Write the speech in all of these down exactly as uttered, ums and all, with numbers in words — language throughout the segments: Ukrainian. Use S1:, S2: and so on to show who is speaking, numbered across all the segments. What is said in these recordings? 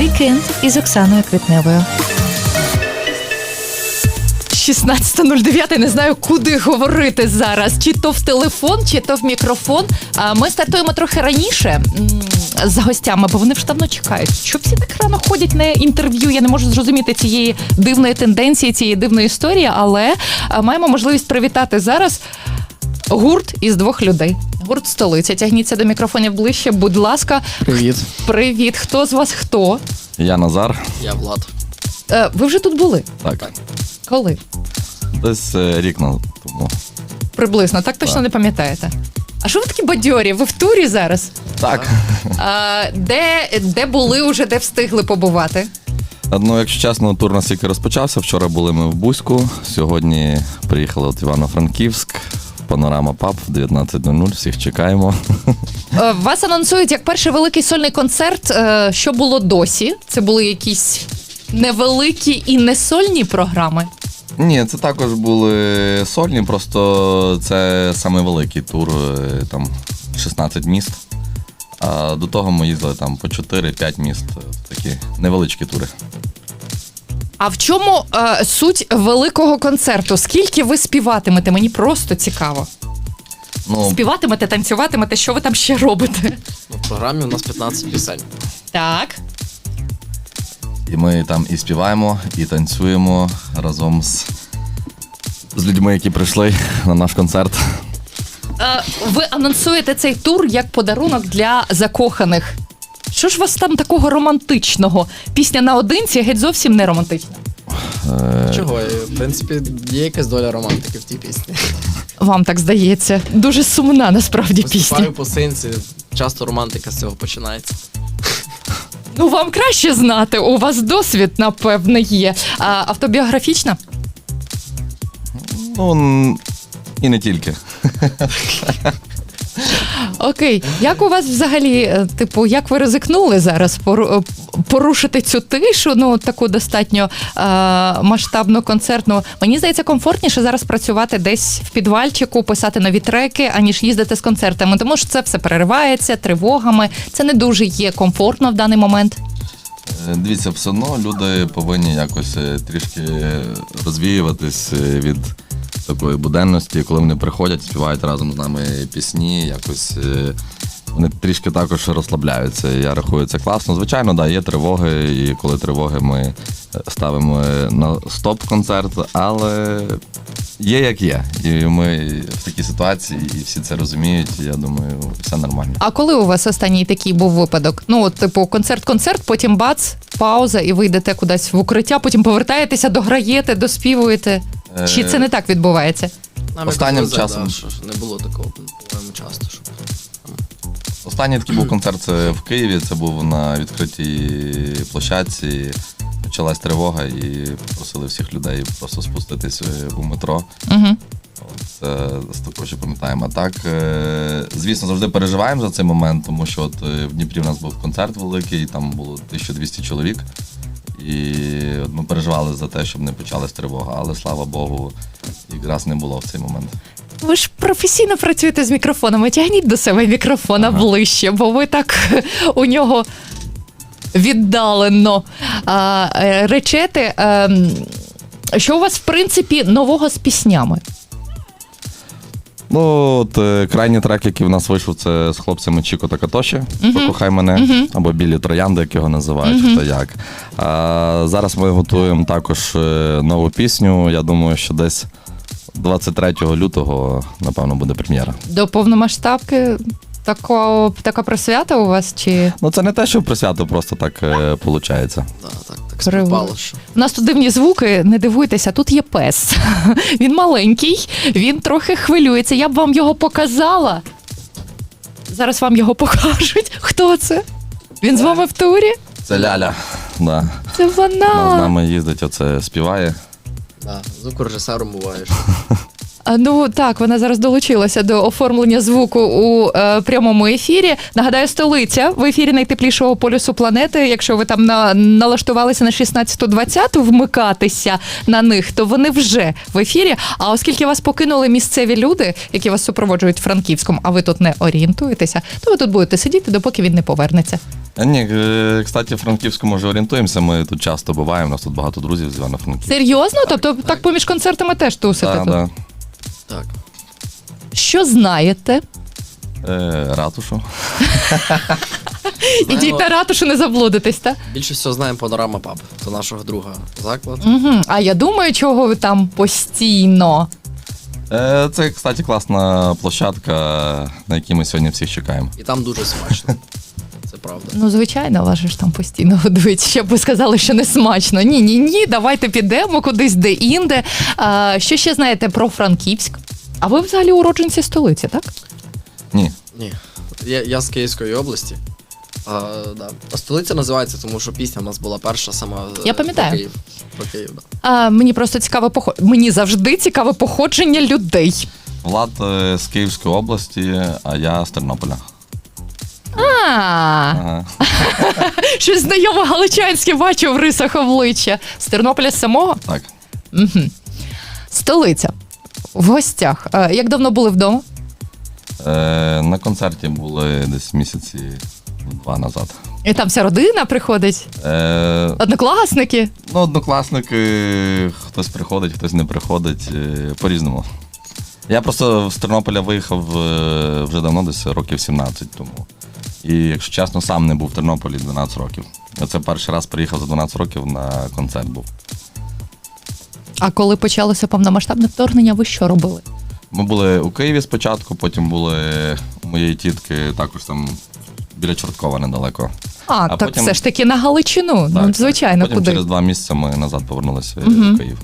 S1: Вікенд із Оксаною Квітневою. шістнадцята нуль дев'ять, не знаю, куди говорити зараз. Чи то в телефон, чи то в мікрофон. Ми стартуємо трохи раніше з гостями, бо вони вже давно чекають. Що всі так рано ходять на інтерв'ю? Я не можу зрозуміти цієї дивної тенденції, цієї дивної історії, але маємо можливість привітати зараз гурт із двох людей. Гурт «Столиця». Тягніться до мікрофонів ближче, будь ласка.
S2: Привіт.
S1: Привіт. Хто з вас хто?
S3: Я Назар.
S2: Я Влад.
S1: Е, ви вже тут були?
S3: Так.
S1: Коли?
S3: Десь е, рік на тому.
S1: Приблизно, так точно
S3: Так.
S1: не пам'ятаєте? А що ви такі бадьорі? Ви в турі зараз?
S3: Так.
S1: А, де, де були уже, де встигли побувати?
S3: Ну, якщо чесно, тур нас тільки розпочався. Вчора були ми в Бузьку, сьогодні приїхали от в Івано-Франківськ, в Панорама Паб в дев'ятнадцять нуль нуль, всіх чекаємо.
S1: Е, Вас анонсують як перший великий сольний концерт. Е, Що було досі? Це були якісь невеликі і не сольні програми?
S3: Ні, це також були сольні, просто це саме великий тур, е, там шістнадцять міст. А до того ми їздили там по чотири-п'ять міст, такі невеличкі тури.
S1: А в чому е, суть великого концерту? Скільки ви співатимете? Мені просто цікаво.
S3: Ну,
S1: Співатимете, танцюватимете, що ви там ще робите?
S2: Ну, в програмі у нас п'ятнадцять пісень.
S1: Так.
S3: і ми там і співаємо, і танцюємо разом з, з людьми, які прийшли на наш концерт.
S1: Е, Ви анонсуєте цей тур як подарунок для закоханих. Що ж у вас там такого романтичного? Пісня наодинці геть зовсім не романтична.
S3: Е,
S2: Чого? І, в принципі, є якась доля романтики в тій пісні.
S1: Вам так здається. Дуже сумна насправді пісня.
S2: Виступаю по синці, часто романтика з цього починається.
S1: Ну вам краще знати, у вас досвід, напевне, є. А, автобіографічна?
S3: Ну, н- і не тільки.
S1: Окей. Як у вас взагалі, е, типу, як ви ризикнули зараз пору- е, порушити цю тишу, ну, таку достатньо е, масштабну концертну? Мені здається, комфортніше зараз працювати десь в підвальчику, писати нові треки, аніж їздити з концертами, тому що це все переривається тривогами, це не дуже є комфортно в даний момент.
S3: Е, Дивіться, все одно люди повинні якось е, трішки розвіюватись е, від такої буденності, коли вони приходять, співають разом з нами пісні, якось е, вони трішки також розслабляються. Я рахую, це класно. Звичайно, да, є тривоги, і коли тривоги ми ставимо на стоп-концерт, але є як є. І ми в такій ситуації, і всі це розуміють, і я думаю, все нормально.
S1: А коли у вас останній такий був випадок? Ну, от, типу, концерт-концерт, потім бац, пауза, і ви йдете кудись в укриття, потім повертаєтеся, дограєте, доспівуєте. Чи це не так відбувається?
S2: Нам
S3: Останнім
S2: якось везе,
S3: часом-
S2: да, що ж не було такого, по-моєму, часто, щоб...
S3: Останній такий був концерт це в Києві, це був на відкритій площадці. Почалась тривога і попросили всіх людей просто спуститись у метро.
S1: Угу.
S3: Це з такого ще пам'ятаємо. А так, е, звісно, завжди переживаємо за цей момент, тому що от е, в Дніпрі в нас був концерт великий, там було тисяча двісті чоловік. І от ми переживали за те, щоб не почалась тривога, але слава Богу, якраз не було в цей момент.
S1: Ви ж професійно працюєте з мікрофонами. Тягніть до себе мікрофона
S3: Ага.
S1: ближче, бо ви так у нього віддалено а, е, речете. А, що у вас, в принципі, нового з піснями?
S3: Ну, от е, крайній трек, який в нас вийшов, це з хлопцями Чіко та Катоші,
S1: Мгм.
S3: «Покохай мене»,
S1: Мгм.
S3: або «Білі троянди», як його називають,
S1: Мгм.
S3: хто як. А, зараз ми готуємо також е, нову пісню, я думаю, що десь двадцять третього лютого, напевно, буде прем'єра.
S1: До повномасштабки така, така просвята у вас? Чи
S3: Ну, це не те, що присвято, просто так е, виходить.
S2: Да, так, так
S1: Криво.
S2: співпало, що...
S1: у нас тут дивні звуки, не дивуйтеся, тут є пес. Він маленький, він трохи хвилюється. Я б вам його показала. Зараз вам його покажуть. Хто це? Він з вами в турі?
S3: Це Ляля. Да.
S1: Це
S3: Вона з
S1: вона.
S3: нами їздить, оце співає.
S2: Да, звукорежисером буваєш.
S1: А, Ну так, вона зараз долучилася до оформлення звуку у е, прямому ефірі. Нагадаю, «Столиця» в ефірі найтеплішого полюсу планети. Якщо ви там на, налаштувалися на шістнадцяту двадцяту вмикатися на них, то вони вже в ефірі. А оскільки вас покинули місцеві люди, які вас супроводжують в Франківському, а ви тут не орієнтуєтеся, то ви тут будете сидіти, допоки він не повернеться.
S3: А, ні, е, кстати, в Франківську вже орієнтуємося, ми тут часто буваємо, у нас тут багато друзів з Івано-Франківська.
S1: Серйозно? Тобто так поміж концертами теж тусите
S3: Так,
S1: тут?
S3: да.
S2: Так.
S1: Що знаєте?
S3: Е, ратушу.
S1: Ідіть на ратушу, не заблудитесь, так?
S2: Більше всього знаємо Панорама Паб. Це нашого друга заклад.
S1: Угу. А я думаю, чого ви там постійно.
S3: Е, це, кстати, класна площадка, на якій ми сьогодні всіх чекаємо.
S2: І там дуже смачно. Це правда.
S1: Ну, звичайно, вас же ж там постійно годують, щоб ви сказали, що не смачно. Ні, ні, ні, давайте підемо кудись де-інде. А, що ще знаєте про Франківськ? А ви взагалі уродженці столиці, так?
S3: Ні.
S2: Ні. Я, я з Київської області. А, да. А столиця називається, тому що пісня в нас була перша сама е,
S1: Я пам'ятаю.
S2: про Київ. Про Київ, да.
S1: А, мені просто цікаве поход... Мені завжди цікаве походження людей.
S3: Влад е, з Київської області, а я з Тернополя.
S1: А,
S3: Ага.
S1: щось знайоме галичанське бачу в рисах обличчя. З Тернополя з самого?
S3: Так.
S1: Угу. Столиця. В гостях. А, як давно були вдома?
S3: Е, на концерті були десь місяці два назад.
S1: І там вся родина приходить?
S3: Е,
S1: Однокласники?
S3: ну, однокласники, хтось приходить, хтось не приходить, е, по-різному. Я просто з Тернополя виїхав е, вже давно, десь років сімнадцять тому. І, якщо чесно, сам не був в Тернополі дванадцять років. Оце перший раз приїхав за дванадцять років на концерт був.
S1: А коли почалося повномасштабне вторгнення, ви що робили?
S3: Ми були у Києві спочатку, потім були у моєї тітки також там біля Чорткова недалеко.
S1: А,
S3: А
S1: так
S3: потім-
S1: все ж таки на Галичину.
S3: Так,
S1: Ну, звичайно,
S3: потім
S1: куди.
S3: через два місяці ми назад повернулися
S1: Мгм.
S3: в Київ.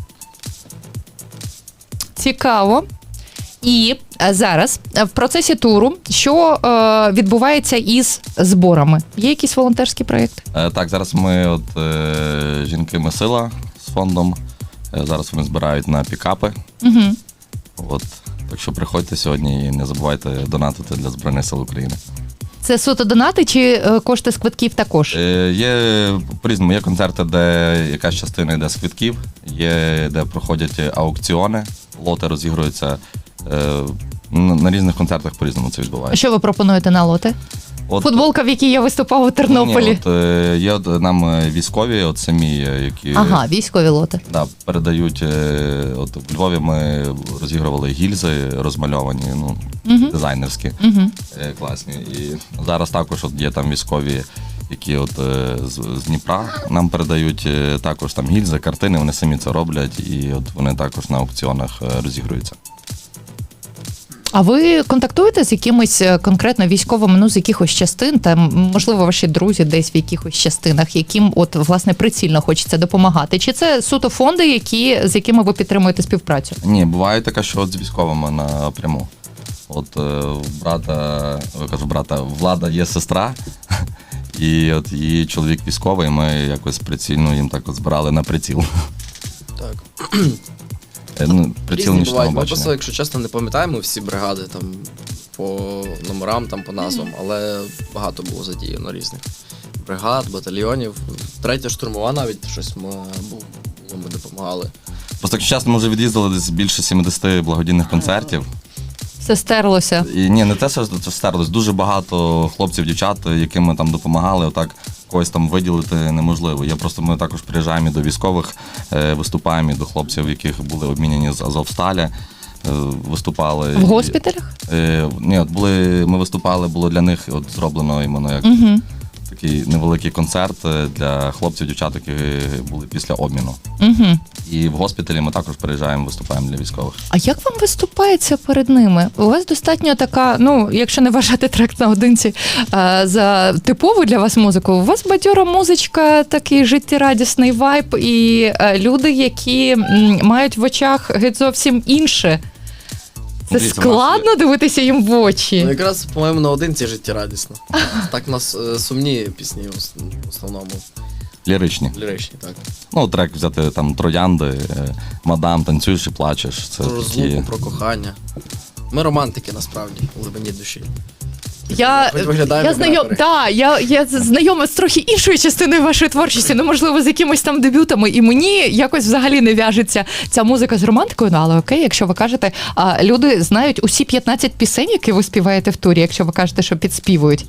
S1: Цікаво. І е, зараз е, в процесі туру, що е, відбувається із зборами? Є якісь волонтерські проєкти?
S3: Е, Так, зараз ми от е, жінки Ми сила з фондом. Е, зараз вони збирають на пікапи.
S1: Угу.
S3: От, так що приходьте сьогодні і не забувайте донатити для Збройних сил України.
S1: Це суто донати чи е, кошти з квитків також?
S3: Е, Є по-різному, є концерти, де якась частина йде з квитків, є де проходять аукціони, лоти розігруються. Е, на на різних концертах по-різному це відбувається.
S1: Що ви пропонуєте на лоти?
S3: От,
S1: Футболка, в якій я виступав у Тернополі.
S3: Ні, от, е, є от нам е, військові, от самі, е, які
S1: Ага, військові лоти.
S3: да, передають. е, От в Львові ми розігрували гільзи розмальовані, ну,
S1: Угу.
S3: дизайнерські,
S1: Угу.
S3: е, класні. І зараз також от є там військові, які от е, з, з Дніпра нам передають е, також там гільзи, картини, вони самі це роблять, і от вони також на аукціонах е, розігруються.
S1: А ви контактуєте з якимись е, конкретно військовими, ну, з якихось частин, там, можливо, ваші друзі десь в якихось частинах, яким от, власне, прицільно хочеться допомагати? Чи це суто фонди, які, з якими ви підтримуєте співпрацю?
S3: Ні, буває таке, що от з військовими напряму. От е, в брата, я кажу, брата, Влада є сестра, і от її чоловік військовий, ми якось прицільно їм так от збирали на приціл.
S2: Так.
S3: Е, Ну, приціл
S2: Різні
S3: нічного
S2: бувають. Ми просто,
S3: бачення.
S2: якщо чесно, не пам'ятаємо всі бригади там по номерам, там по назвам, але багато було задіяно різних бригад, батальйонів. Третя штурмова навіть щось ми, був, ми допомагали.
S3: Просто, якщо чесно, ми вже від'їздили десь більше сімдесят благодійних концертів.
S1: Все стерлося.
S3: І ні, не те, що це стерлось. Дуже багато хлопців, дівчат, яким ми там допомагали, отак когось там виділити неможливо. Я просто ми також приїжджаємо і до військових, е, виступаємо і до хлопців, яких були обміняні з Азовсталі. е, Виступали.
S1: В госпіталях?
S3: Е, ні, от були, ми виступали, було для них от зроблено іменно як
S1: Угу.
S3: такий невеликий концерт е, для хлопців, дівчат, які були після обміну.
S1: Угу.
S3: І в госпіталі ми також приїжджаємо, виступаємо для військових.
S1: А як вам виступається перед ними? У вас достатньо така, ну, якщо не вважати трек наодинці а, за типову для вас музику, у вас бадьора музичка, такий життєрадісний вайб, і а, люди, які м, мають в очах геть зовсім інше. Це
S3: Дивіться,
S1: складно дивитися їм в очі.
S2: Ну якраз, по-моєму, наодинці життєрадісно. Так у нас е, сумні пісні в ос- в основному,
S3: Ліричні.
S2: ліричні, так.
S3: Ну, трек взяти там троянди, е, мадам, танцюєш і плачеш. Це
S2: Про
S3: такі.
S2: розлуку, про кохання. Ми романтики насправді, у глибині душі.
S1: Я,
S2: Хоч виглядаємо
S1: я,
S2: як
S1: знайом,
S2: репери.
S1: да, я, я знайома з трохи іншою частиною вашої творчості, ну, можливо, з якимось там дебютами. І мені якось взагалі не в'яжеться ця музика з романтикою. Ну, але окей, якщо ви кажете, а люди знають усі п'ятнадцять пісень, які ви співаєте в турі, якщо ви кажете, що підспівують.
S3: Так,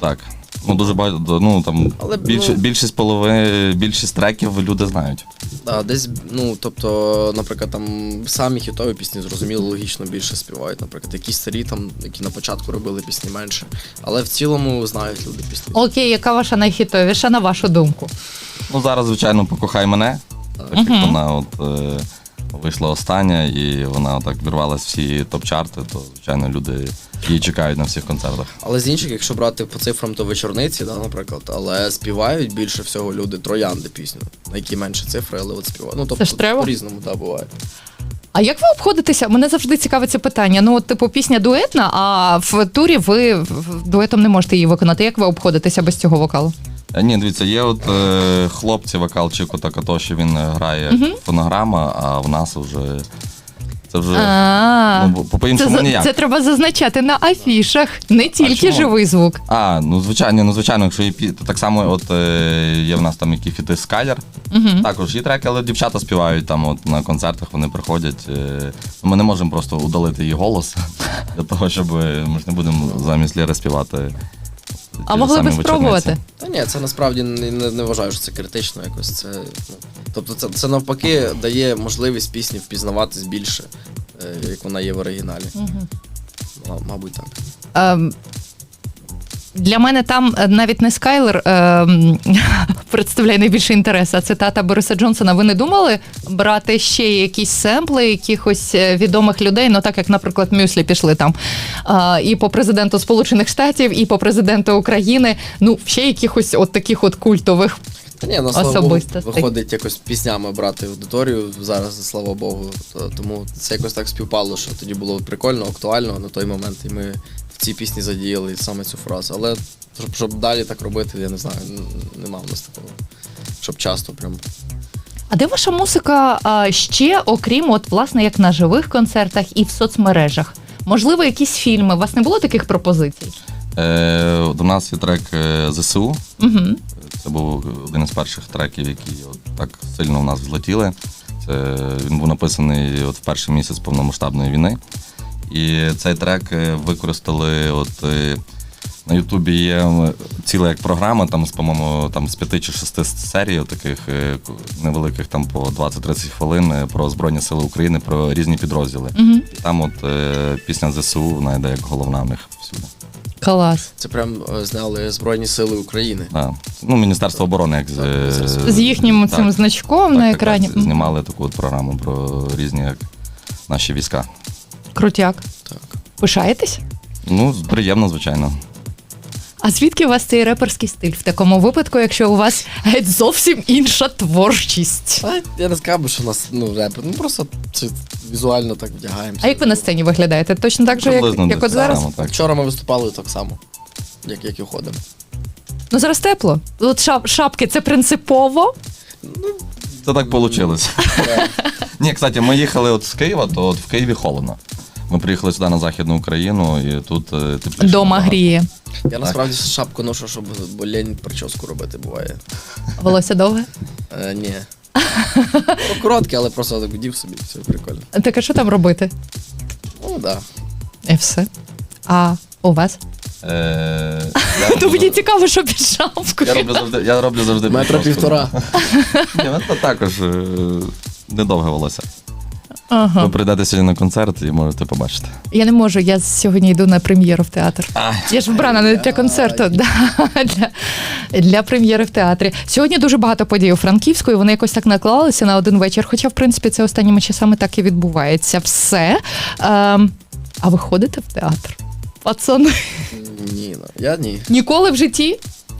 S3: Ну, дуже багато, ну, там,
S2: Але,
S3: більш,
S2: ну-
S3: більшість полови, більшість треків люди знають.
S2: Да, десь, ну, тобто, наприклад, там самі хітові пісні, зрозуміло, логічно більше співають. Наприклад, якісь старі, там, які на початку робили пісні менше. Але в цілому знають люди пісні.
S1: Окей, яка ваша найхітовіша, на вашу думку?
S3: Ну, зараз, звичайно, «Покохай мене», так як
S1: Мгм.
S3: вона от, е, вийшла остання, і вона так вірвалась в всі топ-чарти, то, звичайно, люди її чекають на всіх концертах.
S2: Але з інших, якщо брати по цифрам, то вечорниці, да, наприклад, але співають більше всього люди троянди пісню, на які менше цифри, але от співають. Ну, тобто,
S1: ж треба.
S2: по-різному, так, буває.
S1: А як ви обходитеся? Мене завжди цікавить це питання. Ну, от, типу, пісня дуетна, а в турі ви в- дуетом не можете її виконати. Як ви обходитеся без цього вокалу?
S3: Е, Ні, дивіться, є от е, хлопці, вокал Чіко та Катоші, він грає
S1: Мгм.
S3: фонограма, а в нас вже це вже
S1: А,
S3: ну, по- по-іншому
S1: це, за-
S3: ніяк.
S1: це треба зазначати на афішах, не тільки
S3: чому?
S1: живий звук.
S3: А, ну звичайно, ну звичайно, якщо є пі- то так само, от е, є в нас там які фіти Скайлер,
S1: Угу.
S3: також є треки, але дівчата співають там от на концертах, вони приходять. Е, ну, ми не можемо просто удалити її голос для того, щоб е, ми ж не будемо замість Лєри співати. ті
S1: А
S3: ж
S1: могли
S3: самі
S1: би спробувати?
S3: вечорниці.
S2: Та ні, це насправді не, не, не вважаю, що це критично якось. Це, ну, тобто це, це навпаки дає можливість пісні впізнаватись більше, е, як вона є в оригіналі.
S1: Угу.
S2: М- Мабуть, так.
S1: Ем, Для мене там е, навіть не Скайлер ем, представляє найбільший інтерес, а цитата Бориса Джонсона. Ви не думали брати ще якісь семпли якихось е, відомих людей? Ну так як, наприклад, Мюслі пішли там а, і по президенту Сполучених Штатів, і по президенту України. Ну, ще якихось от таких от культових.
S2: Та ні, ну, слава Богу,
S1: Особистостей.
S2: виходить якось піснями брати аудиторію зараз, слава Богу. То- Тому це якось так співпало, що тоді було прикольно, актуально на той момент, і ми в цій пісні задіяли саме цю фразу. Але щоб, щоб далі так робити, я не знаю, н- нема в нас такого. Щоб часто прям.
S1: А де ваша музика а, ще, окрім от, власне, як на живих концертах і в соцмережах? Можливо, якісь фільми? У вас не було таких пропозицій?
S3: Е, от у нас є трек е, ЗСУ.
S1: Угу.
S3: Це був один із перших треків, які от так сильно у нас взлетіли. Це, він був написаний от в перший місяць повномасштабної війни. І цей трек е, використали от, е, на Ютубі є ціла як програма, там, з, по-моєму, там, з п'яти чи шести серій, от таких е, невеликих там, по двадцять-тридцять хвилин е, про Збройні Сили України, про різні підрозділи.
S1: Угу.
S3: І там от е, пісня ЗСУ, вона йде як головна в них всюди.
S1: Клас.
S2: Це прям е, зняли Збройні Сили України.
S3: Да. Ну, Міністерство оборони, як з,
S2: Так,
S1: З їхнім
S3: так,
S1: цим значком
S3: так,
S1: на
S3: так,
S1: екрані.
S3: так, знімали таку от програму про різні як наші війська.
S1: Крутяк.
S2: Так.
S1: Пишаєтесь?
S3: Ну, приємно, звичайно.
S1: А звідки у вас цей реперський стиль в такому випадку, якщо у вас геть зовсім інша творчість?
S2: А, я не скажу, що у нас ну, репер. Ну просто це візуально так вдягаємося.
S1: А як ви на сцені виглядаєте? Точно так же, як,
S3: Приблизно
S1: як от
S3: десь
S1: зараз?
S3: само, так.
S2: Вчора ми виступали так само, як, як і ходимо.
S1: Ну зараз тепло. От шап, шапки це принципово.
S3: Це так вийшло. Ні, кстати, ми їхали от з Києва, то от в Києві холодно. Ми приїхали сюди на Західну Україну, і тут е, тепліше.
S1: Дома
S3: набагато.
S1: гріє.
S2: Я насправді шапку ношу, щоб бо лень прическу робити буває.
S1: Волосся довге.
S2: Е, ні. Ну, коротке, але просто так вдів собі, все прикольно.
S1: Так а що там робити?
S2: Ну так. Да.
S1: І все. А у вас?
S3: Е, я
S1: Ну
S3: роблю
S1: мені
S3: завжди-
S1: цікаво, що під шапкою.
S3: Я роблю завжди, я роблю завжди
S2: Метра
S3: прическу.
S2: півтора.
S3: Ні, ну, це також е, недовге волосся.
S1: Ага.
S3: Ви прийдете сьогодні на концерт і можете побачити.
S1: Я не можу, я сьогодні йду на прем'єру в театр.
S3: Ай.
S1: Я ж вбрана не для концерту, да, для, для прем'єри в театрі. Сьогодні дуже багато подій у Франківську, і вони якось так наклалися на один вечір. Хоча, в принципі, це останніми часами так і відбувається. Все. Ем, а ви ходите в театр? Пацани,
S2: Ні, ну, я ні.
S1: ніколи в житті?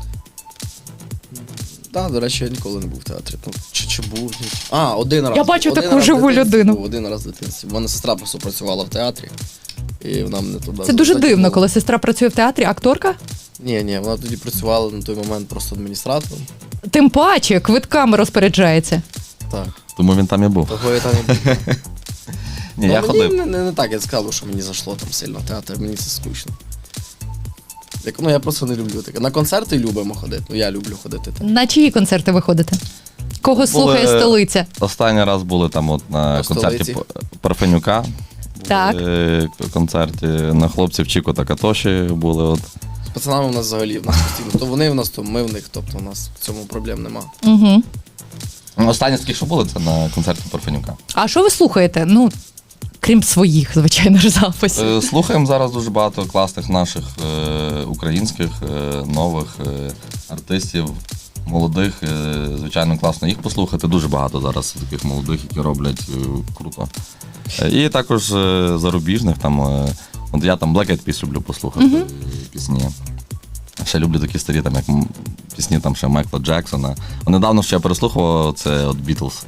S2: Так, да, до речі, я ніколи не був в театрі. Ну, чи, чи був? Ні. А, один раз.
S1: Я бачу
S2: один
S1: таку
S2: раз в
S1: живу
S2: дитинстві
S1: людину.
S2: Був, один раз в дитинстві. У мене сестра просто працювала в театрі, і вона мене туди
S1: Це дуже
S2: затягнула.
S1: дивно, коли сестра працює в театрі, акторка.
S2: Ні, ні, вона тоді працювала на той момент просто адміністратором.
S1: Тим паче квитками розпоряджається.
S2: Так.
S3: Тому він там і був.
S2: Того я там і був.
S3: Ні,
S2: Ну,
S3: я
S2: мені
S3: ходив.
S2: Не, не, не так, я сказав, що мені зайшло там сильно театр, мені це скучно. Як, ну, я просто не люблю таке. На концерти любимо ходити. Ну, я люблю ходити. Так.
S1: На чиї концерти ви ходите? Кого
S3: Були-
S1: слухає столиця?
S3: Останній раз були там от на
S2: На
S3: концерті
S2: столиці.
S3: П- Парфенюка.
S1: Так.
S3: Були концерті на хлопців Чіко та Катоші були от.
S2: З пацанами у нас взагалі в нас постійно. То вони в нас, то ми в них, тобто у нас в цьому проблем нема.
S1: Угу.
S3: Останнє скільки що було, це на концерті Парфенюка.
S1: А що ви слухаєте? Ну, крім своїх, звичайно ж, записів.
S3: Е, Слухаємо зараз дуже багато класних наших е, українських, е, нових е, артистів, молодих. Е, звичайно, класно їх послухати. Дуже багато зараз таких молодих, які роблять е, круто. Е, і також е, зарубіжних, там, е, от я там Black Eyed Peas люблю послухати
S1: Мгм.
S3: пісні. Ще люблю такі старі, там, як м- пісні там, ще Майкла Джексона. Недавно ще я переслухував, це от Beatles.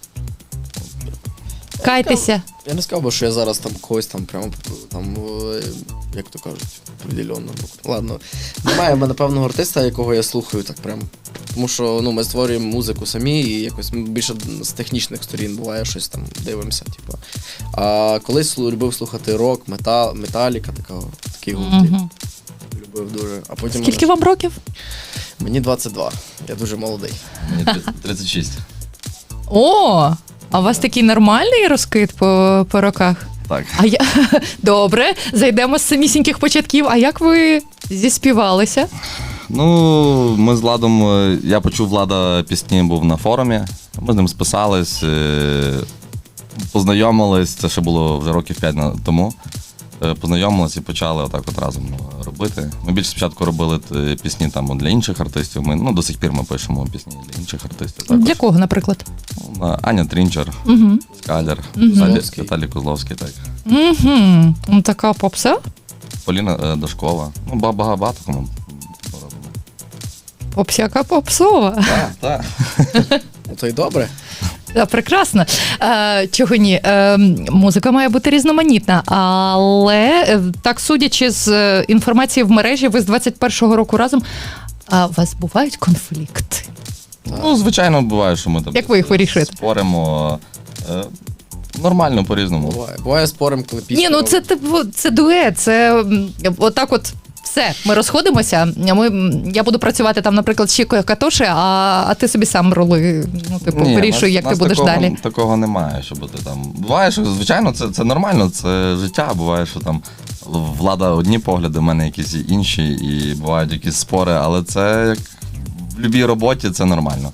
S1: Кайтеся.
S2: Я не сказав би, що я зараз там когось там прямо там, е, як то кажуть, определенно. Ладно, немає в мене певного артиста, якого я слухаю так прямо. Тому що ну, ми створюємо музику самі і якось ми більше з технічних сторін буває щось там дивимося. Типу. А колись слу- любив слухати рок, метал, металіка, така, такі гурти.
S1: Угу.
S2: Любив дуже. А потім
S1: Скільки
S2: мене-
S1: вам років?
S2: Мені двадцять два. Я дуже молодий.
S3: Мені тридцять- тридцять шість.
S1: О, а у вас такий нормальний розкид по, по роках?
S3: Так.
S1: А я добре, зайдемо з самісіньких початків. А як ви зіспівалися?
S3: Ну, ми з Владом, е, я почув Влада пісні, був на форумі. Ми з ним списались, е, познайомились, це ще було вже років п'ять на- тому. Е, Познайомились і почали отак от разом е, робити. Ми більше спочатку робили е, пісні там для інших артистів. Ми, ну, до сих пір ми пишемо пісні для інших артистів. Також.
S1: Для кого, наприклад?
S3: Ну, Аня Трінчер,
S1: Угу.
S3: Скалер,
S1: Мгм.
S3: Віталій,
S2: Козловський.
S3: Віталій Козловський, так.
S1: Угу. Ну, така попса.
S3: Поліна е, Дашкова. Ну, ба- ба- багато кому робимо.
S1: Попсяка попсова.
S3: Так, так.
S2: Ну то й добре.
S1: Та, прекрасно. Е, чого ні? Е, музика має бути різноманітна, але е, так судячи з е, інформації в мережі, ви з двадцять першого року разом. А у вас бувають конфлікти?
S3: Ну, звичайно, буває, що ми там
S1: Як ви їх вирішуєте?
S3: споримо. Е, нормально, по-різному.
S2: Буває. Буває спорим, коли пісню.
S1: Ні, ну це типу, це дует, це м, отак от. Все, ми розходимося. Ми, м, я буду працювати там, наприклад, з Чікою Катоші, а, а ти собі сам роли, ну, типу,
S3: Ні,
S1: вирішуй,
S3: нас-
S1: як ти
S3: нас
S1: будеш
S3: такого,
S1: далі.
S3: Такого немає, щоб ти там. Буває, що звичайно, це, це нормально, це життя. Буває, що там Влада одні погляди, в мене якісь інші, і бувають якісь спори, але це як в будь-якій роботі це нормально.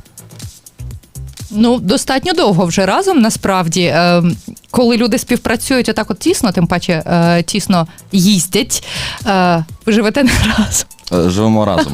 S1: Ну, достатньо довго вже разом, насправді. Е, коли люди співпрацюють отак от тісно, тим паче е, тісно їздять, е, ви живете не разом.
S3: Е, Живемо разом.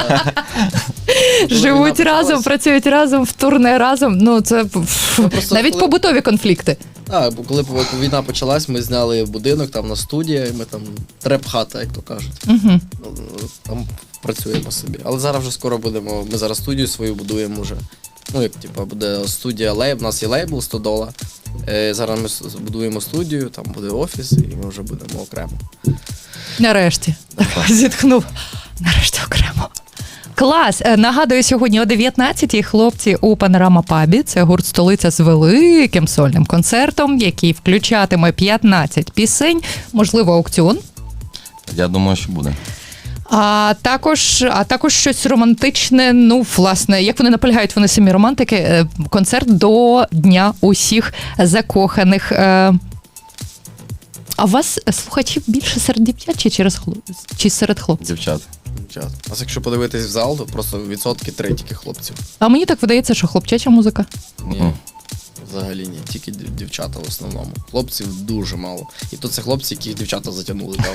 S2: Коли
S1: Живуть
S2: війна
S1: разом,
S2: почалась-
S1: працюють разом, в турне разом. Ну, це пф,
S2: Ну, просто
S1: навіть
S2: коли-
S1: побутові конфлікти.
S2: Так, бо коли пов- війна почалась, ми зняли будинок там на студії, і ми там треп-хата, як то кажуть.
S1: Угу.
S2: Ну, там працюємо собі. Але зараз вже скоро будемо. Ми зараз студію свою будуємо вже. Ну, як типу, буде студія лейб, у нас є лейбл сто доларів. Е, зараз ми с- будуємо студію, там буде офіс, і ми вже будемо окремо.
S1: Нарешті. Зітхнув. Нарешті окремо. Клас. Е, Нагадую, сьогодні о дев'ятнадцятій хлопці у Панорама Пабі. Це гурт «Столиця» з великим сольним концертом, який включатиме п'ятнадцять пісень, можливо, аукціон.
S3: Я думаю, що буде.
S1: А також, а також щось романтичне. Ну, власне, як вони наполягають, вони самі романтики. е, Концерт до Дня усіх закоханих. Е, А у вас слухачів більше серед дівчат чи через хлоп... чи серед хлопців?
S3: Дівчат.
S2: Дівчат. У нас якщо подивитись в зал, то просто відсотки три тільки хлопців.
S1: А мені так видається, що хлопчача музика.
S2: Ні.
S3: Мгм.
S2: Взагалі ні, тільки дів- дівчата в основному. Хлопців дуже мало. І то це хлопці, яких дівчата затягнули. Там.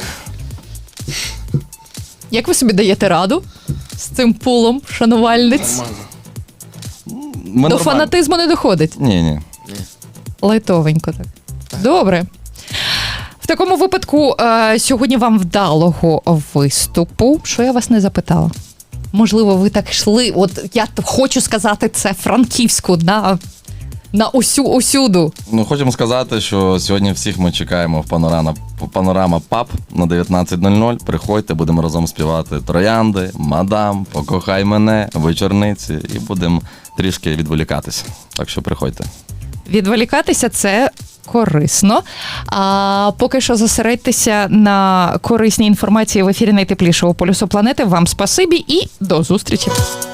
S1: Як ви собі даєте раду з цим пулом шанувальниць?
S2: Нормально.
S3: Ми
S1: До
S3: нормально.
S1: фанатизму не доходить.
S3: Ні, ні.
S2: Ні.
S1: Лайтовенько так. Добре. В такому випадку е, сьогодні вам вдалого виступу. Що я вас не запитала? Можливо, ви так йшли. От я т- хочу сказати це франківську на, на усю усюду.
S3: Ну, хочемо сказати, що сьогодні всіх ми чекаємо в панорама, панорама паб на дев'ятнадцять нуль нуль. Приходьте, будемо разом співати троянди, мадам, покохай мене, вечорниці і будемо трішки відволікатися. Так що приходьте.
S1: Відволікатися це корисно. А поки що зосередьтеся на корисній інформації в ефірі найтеплішого полюсу планети. Вам спасибі і до зустрічі.